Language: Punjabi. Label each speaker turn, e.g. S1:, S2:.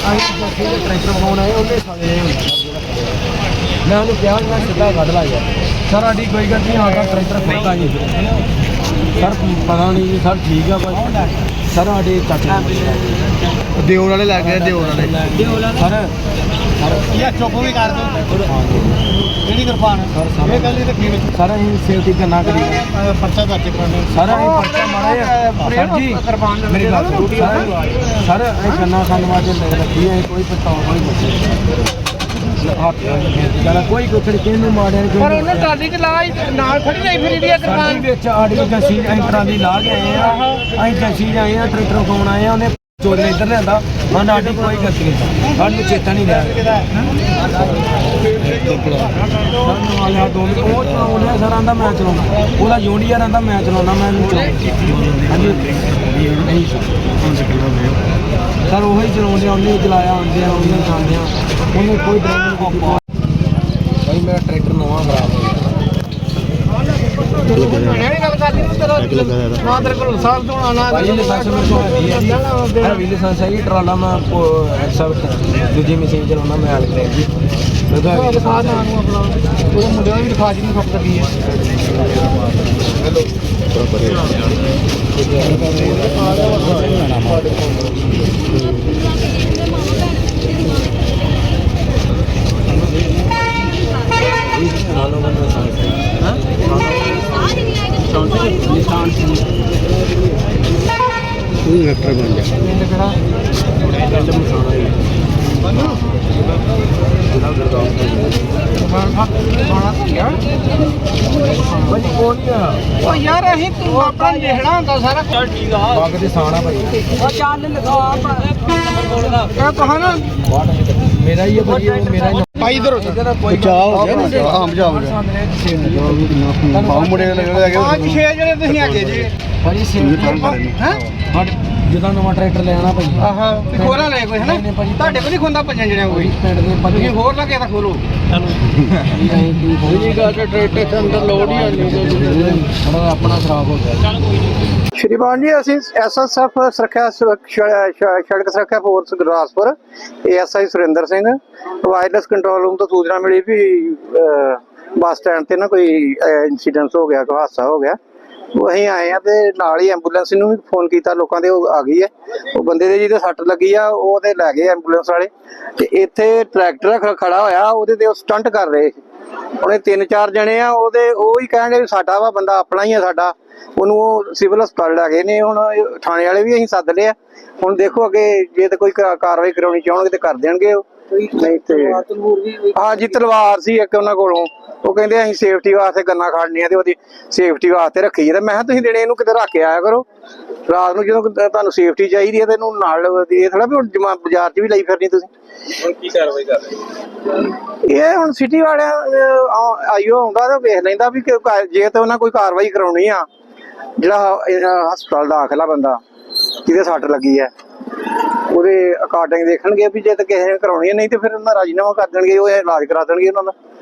S1: ट्रैक्टर फोन आए उन्हें साले मैं उन्हें क्या मैं सीधा कट ला गया सर साड़ी कोई गलती नहीं आगा ट्रैक्टर खोलता जी सर पता नहीं जी सर ठीक है बस सर साढ़े चाचे
S2: ਦਿਓਰ ਵਾਲੇ ਲੱਗ ਗਏ ਦਿਓਰ ਵਾਲੇ
S1: सर
S2: ਇਹ ਚੁੱਪ ਵੀ ਕਰ ਦੋ ਕਿਹੜੀ ਕਿਰਪਾਨ ਇਹ ਗੱਲ ਨਹੀਂ ਰੱਖੀ ਵਿੱਚ
S1: सर अं सेफ्टी करना करी
S2: ਪਰਚਾ ਦਰਜ ਕਰਾਉਣਾ
S1: सर अं पर्चा मारे सर जी मेरी गल सर अं गन्ना खाने वास्ते रखी है कोई पछतावा कोई कोई कुछ किहनूं माड़े
S2: ਪਰ ਉਹਨੇ ਟਰਾਲੀ ਚ ਲਾ ਨਾਲ ਖੜੀ ਨਹੀਂ ਫਿਰ ਇਹਦੀ ਕਿਰਪਾਨ
S1: ਵਿੱਚ ਆੜੀ ਜੱਸੀ ਟਰਾਲੀ ਲਾ ਕੇ ਆਏ ਆ ਅਸੀਂ ਜੱਸੀ ਆਏ ਆ ਟਰੈਕਟਰ ਕੋਣ ਆਏ ਆ ਉਹਨੇ ਚੋਰ ਨੇ ਇੱਧਰ ਲਿਆਂਦਾ ਮੈਂ ਸਾਡੀ ਕੋਈ ਗਲਤੀ ਨਹੀਂ ਸਾਨੂੰ ਚੇਤਾ ਨਹੀਂ ਰਿਹਾ ਉਹ ਚਲਾਉਂਦਾ ਸਰ ਆਂਦਾ ਮੈਂ ਚਲਾਉਣਾ ਉਹਦਾ ਜੂਨੀਅਰ ਆਂਦਾ ਮੈਂ ਚਲਾਉਣਾ ਮੈਂ ਨਹੀਂ ਹਾਂਜੀ ਸਰ ਉਹੀ ਚਲਾਉਂਦੇ ਉਹਨੇ ਚਲਾਇਆ ਆਉਂਦੇ ਆ ਉਹਨੇ ਜਾਂਦੇ ਆ ਉਹਨੇ ਕੋਈ ਡਰਾਈਵਰ ਕੋਈ ਭਾਈ ਮੇਰਾ ਟਰੈਕਟਰ ਨਵਾਂ ਖਰਾਬ ਹੋ ਗਿਆ लाइसेंस है ट्राला मैं दूजी मशीन चलाना मैं हाल करें जी मुंडे भी दिखा जी खप लगी है
S2: एक्टर बन जा यार अहीं तू अपना लिखना होंदा सारा चल ठीक है बाग दे साना भाई ओ चाल लिखा क्या कहा ना
S1: मेरा ही है भाई मेरा ही
S2: भाई इधर बचाओ हो गया हां बचाओ हो गया हां मुंडे लगे आज 6 जने ਤੁਸੀਂ ਆਗੇ ਜੀ
S1: भाई सेव हैं ਜਦੋਂ ਨਵਾਂ ਟਰੈਕਟਰ ਲੈਣਾ ਭਾਈ
S2: ਆਹਾ ਤੇ ਖੋਲਾ ਲੈ ਕੋਈ ਹੈ ਨਾ ਤੁਹਾਡੇ ਕੋਲ ਨਹੀਂ ਖੁੰਦਾ ਪੰਜਾਂ ਜਣਿਆਂ ਕੋਈ
S1: ਪਿੰਡ ਦੇ
S2: ਤੁਸੀਂ ਹੋਰ ਲੱਗੇ ਤਾਂ ਖੋਲੋ
S1: ਚਲੋ ਜੀ ਗੱਲ ਟਰੈਕਟਰ ਦੇ ਅੰਦਰ ਲੋਡ ਹੀ ਆਣੀ ਥੋੜਾ ਆਪਣਾ ਖਰਾਬ ਹੋ ਗਿਆ
S2: ਸ਼੍ਰੀਮਾਨ ਜੀ ਅਸੀਂ ਐਸਐਸਐਫ ਸੁਰੱਖਿਆ ਸੜਕ ਸੁਰੱਖਿਆ force Gurdaspur ASI Surinder Singh wireless control room ਤੋਂ ਸੂਚਨਾ ਮਿਲੀ ਵੀ ਬੱਸ ਸਟੈਂਡ ਤੇ ਨਾ ਕੋਈ ਇਨਸੀਡੈਂਟ ਹੋ ਗਿਆ ਕੋਈ ਹਾਦਸਾ ਹੋ ਗਿਆ ਅਸੀਂ ਆਏ ਆ ਤੇ ਨਾਲ ਹੀ ਐਂਬੂਲੈਂਸ ਨੂੰ ਵੀ ਫੋਨ ਕੀਤਾ ਲੋਕਾਂ ਦੇ ਉਹ ਆ ਗਈ ਹੈ ਉਹ ਬੰਦੇ ਦੇ ਜਿਹਦੇ ਸੱਟ ਲੱਗੀ ਆ ਉਹ ਤੇ ਲੈ ਗਏ ਐਂਬੂਲੈਂਸ ਵਾਲੇ ਤੇ ਇੱਥੇ ਟਰੈਕਟਰ ਖੜਾ ਹੋਇਆ ਉਹਦੇ ਤੇ ਉਹ ਸਟੰਟ ਕਰ ਰਹੇ ਉਹਨੇ 3-4 ਜਣੇ ਆ ਉਹਦੇ ਉਹ ਹੀ ਕਹਿੰਦੇ ਵੀ ਸਾਡਾ ਵਾ ਬੰਦਾ ਆਪਣਾ ਹੀ ਆ ਸਾਡਾ ਉਹਨੂੰ ਉਹ ਸਿਵਲ ਹਸਪਤਾਲ ਲੈ ਗਏ ਨੇ ਹੁਣ ਥਾਣੇ ਵਾਲੇ ਵੀ ਅਸੀਂ ਸੱਦ ਲਿਆ ਹੁਣ ਦੇਖੋ ਅੱਗੇ ਜੇ ਤੇ ਕੋਈ ਕਾਰਵਾਈ ਕਰਾਉਣੀ ਚਾਹਣਗੇ ਤੇ ਕਰ ਦੇਣਗੇ ਉਹ ਨਹੀਂ ਤੇ ਹਾਂ ਜੀ ਤਲਵਾਰ ਸੀ ਇੱਕ ਉਹਨਾਂ ਕੋਲੋਂ ਉਹ ਕਹਿੰਦੇ ਅਸੀਂ ਸੇਫਟੀ ਵਾਸਤੇ ਗੰਨਾ ਖੜਨੀਆਂ ਤੇ ਉਹਦੀ ਸੇਫਟੀ ਵਾਸਤੇ ਰੱਖੀ ਤੇ ਮੈਂ ਕਿਹਾ ਤੁਸੀਂ ਦਿਨੇ ਇਹਨੂੰ ਕਿਤੇ ਰੱਖ ਕੇ ਆਇਆ ਕਰੋ ਰਾਤ ਨੂੰ ਜਦੋਂ ਤੁਹਾਨੂੰ ਸੇਫਟੀ ਚਾਹੀਦੀ ਹੈ ਤੇ ਇਹਨੂੰ ਨਾਲ ਇਹ ਥੋੜਾ ਵੀ ਹੁਣ ਬਾਜ਼ਾਰ 'ਚ ਵੀ ਲਈ ਫਿਰਨੀ ਤੁਸੀਂ
S3: ਹੁਣ ਕੀ ਕਾਰਵਾਈ ਕਰ ਰਹੇ
S2: ਇਹ ਹੁਣ ਸਿਟੀ ਵਾਲਿਆਂ ਆਈਓ ਆਉਂਦਾ ਤੇ ਵੇਖ ਲੈਂਦਾ ਵੀ ਜੇ ਤੇ ਉਹਨਾਂ ਕੋਈ ਕਾਰਵਾਈ ਕਰਾਉਣੀ ਆ ਜਿਹੜਾ ਹਸਪਤਾਲ ਦਾਖਲ ਆ ਬੰਦਾ ਜਿਹਦੇ ਸੱਟ ਲੱਗੀ ਹੈ ਉਹਦੇ ਅਕਾਰਡਿੰਗ ਦੇਖਣਗੇ ਵੀ ਜੇ ਤੇ ਕਿਸੇ ਨੇ ਕਰਾਉਣੀ ਨਹੀਂ ਤੇ ਫਿਰ ਉਹਨਾਂ ਰਾਜੀਨਾਮਾ ਕਰ ਦੇਣਗੇ ਉਹ ਇਲਾਜ ਕਰਾ ਦੇਣਗੇ ਉਹਨਾਂ ਦਾ